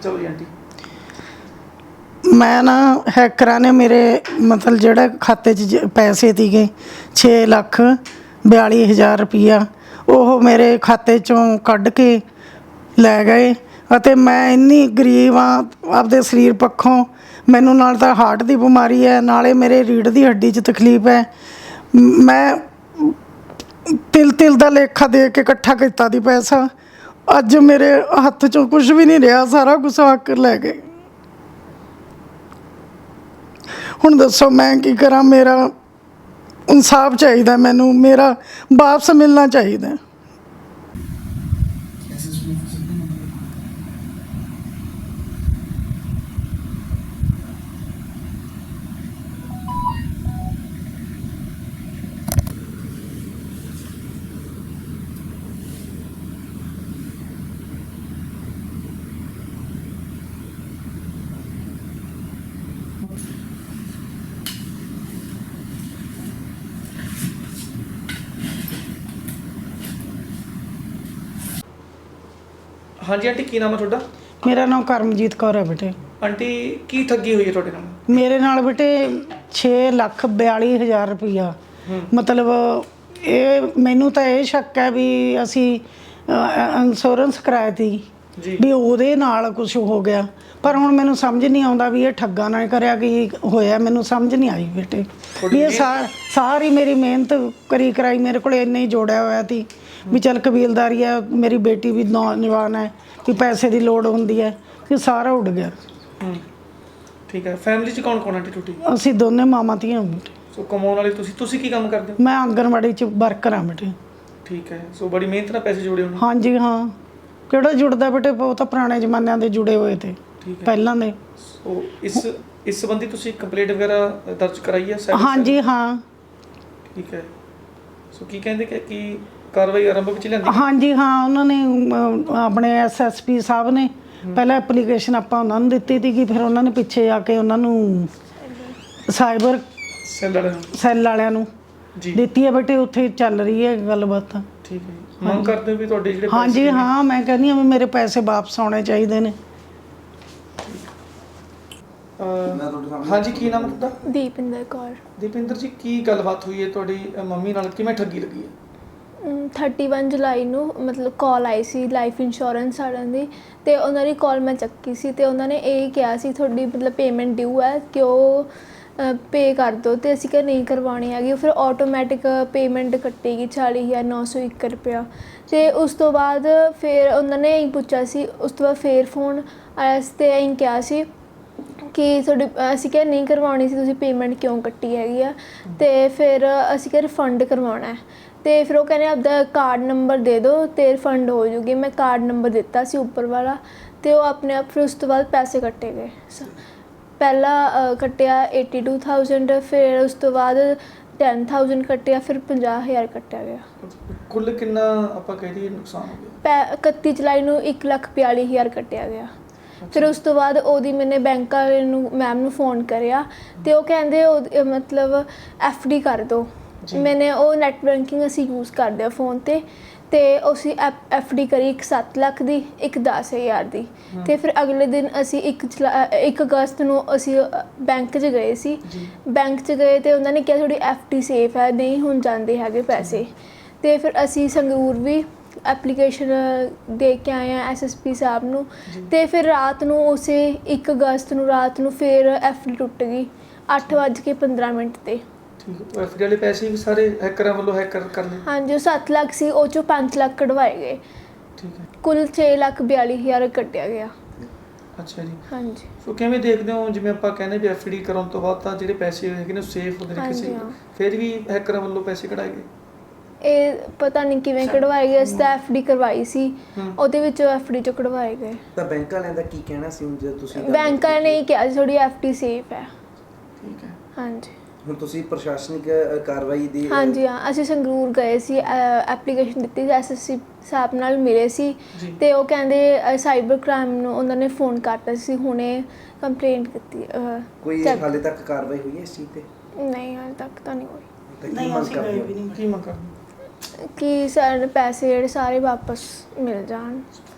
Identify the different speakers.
Speaker 1: ਚਲੋ ਜੀ ਆਂਟੀ।
Speaker 2: मैं ना हैकरां ने मेरे मतलब ਜਿਹੜੇ ਖਾਤੇ 'ਚ ਪੈਸੇ ਸੀਗੇ 6,42,000 ਰੁਪਈਆ ਉਹ ਮੇਰੇ ਖਾਤੇ 'ਚੋਂ ਕੱਢ ਕੇ ਲੈ ਗਏ ਅਤੇ ਮੈਂ ਇੰਨੀ ਗਰੀਬ ਹਾਂ ਆਪਦੇ ਸਰੀਰ ਪੱਖੋਂ। ਮੈਨੂੰ ਨਾਲ ਤਾਂ ਹਾਰਟ ਦੀ ਬਿਮਾਰੀ ਹੈ, ਨਾਲੇ ਮੇਰੇ ਰੀੜ੍ਹ ਦੀ ਹੱਡੀ 'ਚ ਤਕਲੀਫ ਹੈ। ਮੈਂ ਤਿਲ ਦਾ ਲੇਖਾ ਦੇ ਕੇ ਇਕੱਠਾ ਕੀਤਾ ਦੀ ਪੈਸਾ, ਅੱਜ ਮੇਰੇ ਹੱਥ 'ਚੋਂ ਕੁਝ ਵੀ ਨਹੀਂ ਰਿਹਾ, ਸਾਰਾ ਕੁਛ ਹਾਕਰ ਲੈ ਗਏ। ਹੁਣ ਦੱਸੋ मैं की करा, मेरा इंसाफ चाहिए, मैनू मेरा वापस मिलना चाहिए।
Speaker 1: ਹਾਂਜੀ ਆਂਟੀ, ਕੀ ਨਾਮ ਹੈ ਤੁਹਾਡਾ?
Speaker 2: मेरा नाम करमजीत कौर है बेटे।
Speaker 1: आंटी की ठगी हुई है ਤੁਹਾਡੇ ਨਾਲ?
Speaker 2: मेरे नाल बेटे 6,42,000 रुपया, मतलब ये मैनू तो ये शक है भी असी इंश्योरेंस कराया थी भी ਉਹਦੇ ਨਾਲ कुछ हो गया, पर हुण मैनू समझ नहीं आता भी ये ठग्गा ना करिया कि होया, मैनू समझ नहीं आई बेटे। भी ये सारी मेरी मेहनत करी कराई मेरे को इन्ना ही जोड़िया होया थी भी चल कबीलदारी है, मेरी बेटी भी नौजवान है भी पैसे की लोड़ होंदी है, कि सारा उड़ गया।
Speaker 1: ठीक है। फैमिली च कौन कौन आंटी टूटी?
Speaker 2: असी दोने मामा धीआं बेटे।
Speaker 1: सो कमाउण वाले तुसीं की काम करदे हो?
Speaker 2: मैं आंगनवाड़ी च वर्कर हाँ बेटे।
Speaker 1: ठीक है। सो बड़ी मेहनत नाल पैसे जोड़े होणे?
Speaker 2: हाँ जी हाँ, किहड़ा जुड़दा बेटे, वो तो पुराने जमाने दे जुड़े हुए थे पहलां दे।
Speaker 1: सो इस संबंधी तुसीं कंप्लेंट वगैरह दर्ज कराई है?
Speaker 2: हाँ जी हाँ।
Speaker 1: ठीक है। सो की कहंदे कि कार्रवाई आरंभ विच लिआंदी?
Speaker 2: हाँ जी हाँ, उन्होंने अपने SSP साहब ने पहले एप्लीकेशन आपां उन्हां नूं दित्ती थी, फिर उन्होंने पिछे आके उन्हां नूं साइबर सैल वालियां नूं दित्ती है बेटे, उत्थे चल रही है गलबात।
Speaker 1: ठीक है। मांग करदे हो भी तुहाडे जिहड़े?
Speaker 2: हाँ जी हाँ, मैं कहनी हाँ मेरे पैसे वापस आने चाहिए ने।
Speaker 1: हाँ जी, की नाम है तुहाडा?
Speaker 3: दीपिंदर कौर।
Speaker 1: दीपिंदर जी, की गलबात हुई है तुहाडी मम्मी नाल, किवें ठगी लगी है?
Speaker 3: 31 जुलाई ਨੂੰ ਮਤਲਬ ਕਾਲ ਆਈ ਸੀ ਲਾਈਫ ਇੰਸ਼ੋਰੈਂਸ ਵਾਲਿਆਂ ਦੀ, ਤੇ ਉਹਨਾਂ ਦੀ ਕਾਲ ਮੈਂ ਚੱਕੀ ਸੀ ਤੇ ਉਹਨਾਂ ਨੇ ਇਹ ਕਿਹਾ ਸੀ ਤੁਹਾਡੀ ਮਤਲਬ ਪੇਮੈਂਟ ਡਿਊ ਹੈ ਕਿ ਉਹ ਪੇ ਕਰ ਦਿਓ, ਤੇ ਅਸੀਂ ਕਿਹਾ ਨਹੀਂ ਕਰਵਾਉਣੀ ਹੈਗੀ। ਫਿਰ ਆਟੋਮੈਟਿਕ ਪੇਮੈਂਟ ਕੱਟੇਗੀ 40,901 ਰੁਪਇਆ। ਤੇ ਉਸ ਤੋਂ ਬਾਅਦ ਫਿਰ ਉਹਨਾਂ ਨੇ ਇਹੀ ਪੁੱਛਿਆ ਸੀ, ਉਸ ਤੋਂ ਬਾਅਦ ਫਿਰ ਫੋਨ ਆਇਆ ਸੀ ਤੇ ਇਹੀ ਕਿਹਾ ਸੀ ਕਿ ਤੁਹਾਡੀ, ਅਸੀਂ ਕਿਹਾ ਨਹੀਂ ਕਰਵਾਉਣੀ ਸੀ, ਤੁਸੀਂ ਪੇਮੈਂਟ ਕਿਉਂ ਕੱਟੀ ਹੈਗੀ ਆ, ਤੇ ਫਿਰ ਅਸੀਂ ਕਿਹਾ ਰਿਫੰਡ ਕਰਵਾਉਣਾ ਹੈ। ਤੇ ਫਿਰ ਉਹ ਕਹਿੰਦੇ ਆਪਦਾ ਕਾਰਡ ਨੰਬਰ ਦੇ ਦਿਓ ਤੇ ਰਿਫੰਡ ਹੋ ਜੂਗੀ। ਮੈਂ ਕਾਰਡ ਨੰਬਰ ਦਿੱਤਾ ਸੀ ਉੱਪਰ ਵਾਲਾ, ਤੇ ਉਹ ਆਪਣੇ ਆਪ। ਫਿਰ ਉਸ ਤੋਂ ਬਾਅਦ ਪੈਸੇ ਕੱਟੇ ਗਏ। ਪਹਿਲਾਂ ਕੱਟਿਆ 82,000, ਫਿਰ ਉਸ ਤੋਂ ਬਾਅਦ 10,000 ਕੱਟਿਆ, ਫਿਰ 50,000 ਕੱਟਿਆ ਗਿਆ।
Speaker 1: ਕੁੱਲ ਕਿੰਨਾ ਆਪਾਂ ਕਹਿ ਦਈਏ ਨੁਕਸਾਨ ਹੋ ਗਿਆ?
Speaker 3: 31 ਜੁਲਾਈ ਨੂੰ 1,42,000 ਕੱਟਿਆ ਗਿਆ। ਫਿਰ ਉਸ ਤੋਂ ਬਾਅਦ ਉਹਦੀ ਮੈਨੇ ਬੈਂਕ ਵਾਲੇ ਨੂੰ ਮੈਮ ਨੂੰ ਫੋਨ ਕਰਿਆ, ਤੇ ਉਹ ਕਹਿੰਦੇ ਉਹ ਮਤਲਬ FD ਕਰ ਦਿਓ। ਮੈਨੇ ਉਹ ਨੈੱਟ ਬੈਂਕਿੰਗ ਅਸੀਂ ਯੂਜ਼ ਕਰਦੇ ਹਾਂ ਫ਼ੋਨ 'ਤੇ, ਤੇ ਅਸੀਂ FD ਕਰੀ ਇੱਕ 7 ਲੱਖ ਦੀ, ਇੱਕ 10,000 ਦੀ। ਤੇ ਫਿਰ ਅਗਲੇ ਦਿਨ ਅਸੀਂ 1 ਅਗਸਤ ਨੂੰ ਅਸੀਂ ਬੈਂਕ 'ਚ ਗਏ ਸੀ। ਬੈਂਕ 'ਚ ਗਏ ਤੇ ਉਹਨਾਂ ਨੇ ਕਿਹਾ ਤੁਹਾਡੀ FD ਸੇਫ ਹੈ, ਨਹੀਂ ਹੁਣ ਜਾਂਦੇ ਹੈਗੇ ਪੈਸੇ। ਤੇ ਫਿਰ ਅਸੀਂ ਸੰਗਰੂਰ ਵੀ ਐਪਲੀਕੇਸ਼ਨ ਦੇ ਕੇ ਆਏ ਹਾਂ SSP ਸਾਹਿਬ ਨੂੰ। ਤੇ ਫਿਰ ਰਾਤ ਨੂੰ ਉਸੇ 1 ਅਗਸਤ ਨੂੰ ਰਾਤ ਨੂੰ ਫਿਰ FD ਟੁੱਟ ਗਈ 8:15 'ਤੇ।
Speaker 1: FD ਵਾਲੇ ਪੈਸੇ ਵੀ ਸਾਰੇ ਹੈਕਰਾਂ ਵੱਲੋਂ ਹੈਕਰ ਕਰ ਲਏ? ਹਾਂਜੀ,
Speaker 3: ਉਹ 7 ਲੱਖ ਸੀ, ਉਹ 'ਚੋਂ 5 ਲੱਖ ਕਢਵਾਏ ਗਏ।
Speaker 1: ਠੀਕ ਹੈ।
Speaker 3: ਕੁੱਲ 6,42,000 ਕੱਟਿਆ ਗਿਆ।
Speaker 1: ਅੱਛਾ ਜੀ।
Speaker 3: ਹਾਂਜੀ।
Speaker 1: ਸੋ ਕਿਵੇਂ ਦੇਖਦੇ ਹੋ, ਜਿਵੇਂ ਆਪਾਂ ਕਹਿੰਦੇ ਵੀ FD ਕਰਾਉਣ ਤੋਂ ਬਾਅਦ ਤਾਂ ਜਿਹੜੇ ਪੈਸੇ ਹੈਗੇ ਨੇ ਸੇਫ ਹੁੰਦੇ ਨੇ ਕਿਸੇ, ਫਿਰ ਵੀ ਹੈਕਰਾਂ ਵੱਲੋਂ ਪੈਸੇ ਕਢਾਏ ਗਏ? ਇਹ
Speaker 3: ਪਤਾ ਨਹੀਂ ਕਿਵੇਂ ਕਢਵਾਏ ਗਏ। ਅਸੀਂ ਤਾਂ FD ਕਰਵਾਈ ਸੀ, ਉਹਦੇ ਵਿੱਚੋਂ FD 'ਚੋਂ ਕਢਵਾਏ ਗਏ।
Speaker 4: ਤਾਂ ਬੈਂਕ ਵਾਲਿਆਂ ਦਾ ਕੀ ਕਹਿਣਾ ਸੀ ਹੁਣ, ਜੇ ਤੁਸੀਂ?
Speaker 3: ਬੈਂਕ ਵਾਲਿਆਂ ਨੇ ਇਹ ਕਿਹਾ ਸੀ ਤੁਹਾਡੀ FD ਸੇਫ ਹੈ।
Speaker 1: ਠੀਕ ਹੈ।
Speaker 3: ਹਾਂਜੀ।
Speaker 4: ਹੁਣ ਤੁਸੀਂ ਪ੍ਰਸ਼ਾਸਨਿਕ ਕਾਰਵਾਈ ਦੀ?
Speaker 3: ਹਾਂਜੀ ਹਾਂ, ਅਸੀਂ ਸੰਗਰੂਰ ਗਏ ਸੀ, ਐਪਲੀਕੇਸ਼ਨ ਦਿੱਤੀ ਸੀ, SSP ਸਾਹਿਬ ਨਾਲ ਮਿਲੇ ਸੀ, ਤੇ ਉਹ ਕਹਿੰਦੇ ਸਾਈਬਰ ਕ੍ਰਾਈਮ ਨੂੰ ਉਹਨਾਂ ਨੇ ਫੋਨ ਕਰਤਾ ਸੀ, ਹੁਣੇ ਕੰਪਲੇਂਟ ਕੀਤੀ।
Speaker 4: ਕੋਈ ਹਾਲੇ ਤੱਕ ਕਾਰਵਾਈ ਹੋਈ ਹੈ ਇਸ ਚੀਜ਼ 'ਤੇ?
Speaker 3: ਨਹੀਂ, ਹਾਲੇ ਤੱਕ ਤਾਂ ਨਹੀਂ ਹੋਈ।
Speaker 2: ਨਹੀਂ ਅਸੀਂ ਗਏ ਵੀ ਨਹੀਂ।
Speaker 1: ਕੀ ਮੰਗ ਕਰਦੇ?
Speaker 3: ਕਿ ਸਾਡੇ ਪੈਸੇ ਜਿਹੜੇ ਸਾਰੇ ਵਾਪਸ ਮਿਲ ਜਾਣ।